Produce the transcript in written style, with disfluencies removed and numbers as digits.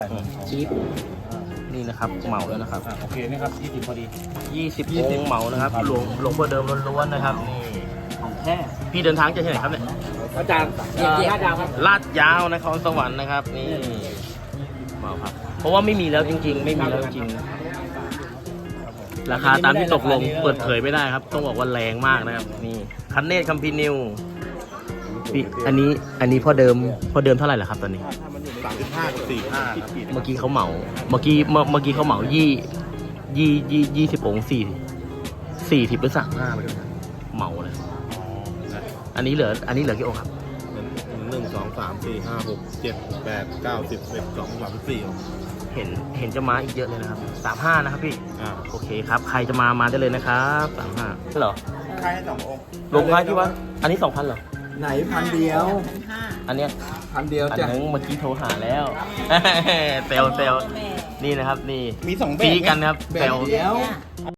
ชีฟนี่นะครับเหมาแล้วนะครับโอเคนะครับ20พอดี 20องค์เหมานะครับหลวงพ่อเดิมล้วนๆนะครับนี่ของแท้พี่เดินทางจะที่ไหนครับเนี่ยอาจารย์5 ดาวครับลาดยาวนครสวรรค์นะครับนี่เหมาครับเพราะว่าไม่มีแล้วจริงๆ ไม่มีแล้วจริงราคาตามที่ตกลงเปิดเผยไม่ได้ครับต้องบอกว่าแรงมากนะครับนี่คันเนตคัมพีนิวพี่อันนี้พ่อเดิมเท่าไหร่ล่ะครับตอนนี้ 35กับ45 เมื่อกี้เขาเหมาเมื่อกี้เขาเหมา20องค์40หรือ35ไปด้วยนะเหมาเลยอันนี้เหลือกี่องค์ครับ 1 2 3 4 5 6 7 8 9 10 11 12 13 14 เห็นจะมาอีกเยอะเลยนะครับ35นะครับพี่โอเคครับใครจะมาได้เลยนะครับ35เหรอค่ายให้2 องค์ลงท้ายที่ว่าอันนี้ 2,000เหรอไหน1,000 เดียวอันเนี้ย 1,000 เดียวอันจ้ะนึงเมื่อกี้โทรหาแล้ว เซลนี่นะครับนี่มี2แบบปีกันนะครับแบเซบลเดียว